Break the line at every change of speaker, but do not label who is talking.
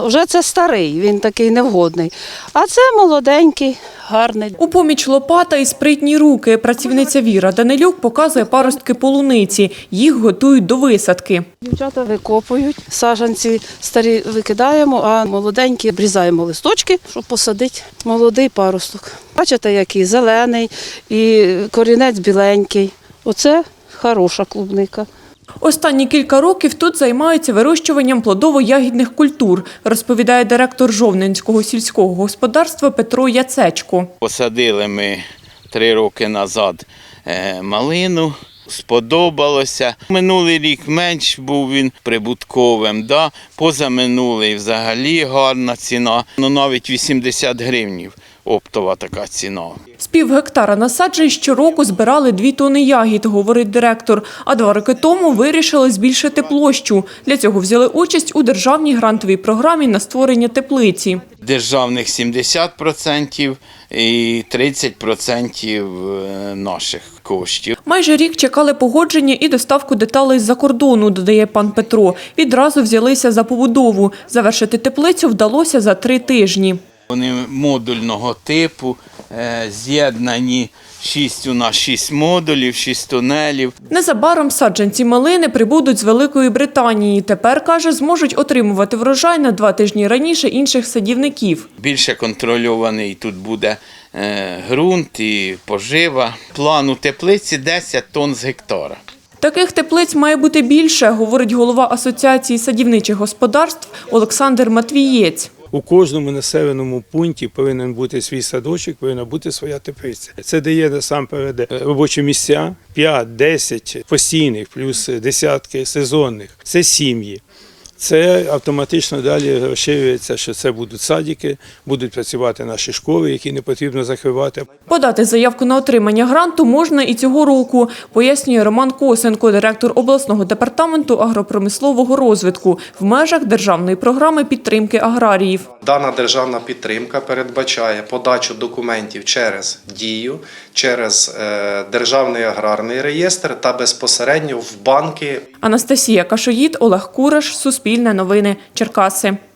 Вже це старий, він такий невгодний. А це молоденький, гарний.
У поміч лопата і спритні руки. Працівниця Віра Данилюк показує паростки полуниці. Їх готують до висадки.
Дівчата викопують, саджанці старі викидаємо, а молоденькі обрізаємо листочки, щоб посадити молодий паросток. Бачите, який зелений і корінець біленький. Оце хороша клубника.
Останні кілька років тут займаються вирощуванням плодово-ягідних культур, розповідає директор Жовненського сільського господарства Петро Яцечко.
Посадили ми 3 роки назад малину, сподобалося. Минулий рік менш був він прибутковим, позаминулий взагалі гарна ціна, навіть 80 гривнів оптова така ціна.
З півгектара насаджень щороку збирали 2 тони ягід, говорить директор. А 2 роки тому вирішили збільшити площу. Для цього взяли участь у державній грантовій програмі на створення теплиці.
Державних 70% і 30% наших коштів.
Майже рік чекали погодження і доставку деталей з-за кордону, додає пан Петро. Відразу взялися за побудову. Завершити теплицю вдалося за 3 тижні.
Вони модульного типу, з'єднані 6 модулів, 6 тунелів.
Незабаром саджанці малини прибудуть з Великої Британії. Тепер, каже, зможуть отримувати врожай на 2 тижні раніше інших садівників.
Більше контрольований тут буде ґрунт і пожива. План у теплиці 10 тонн з гектара.
Таких теплиць має бути більше, говорить голова Асоціації садівничих господарств Олександр Матвієць.
У кожному населеному пункті повинен бути свій садочок, повинна бути своя теплиця. Це дає насамперед робочі місця, 5-10 постійних, плюс десятки сезонних. Це сім'ї. Це автоматично далі розширюється, що це будуть садики, будуть працювати наші школи, які не потрібно закривати.
Подати заявку на отримання гранту можна і цього року, пояснює Роман Косенко, директор обласного департаменту агропромислового розвитку в межах державної програми підтримки аграріїв.
Дана державна підтримка передбачає подачу документів через Дію, через Державний аграрний реєстр та безпосередньо в банки.
Анастасія Кашоїд, Олег Кураш, Суспільне новини, Черкаси.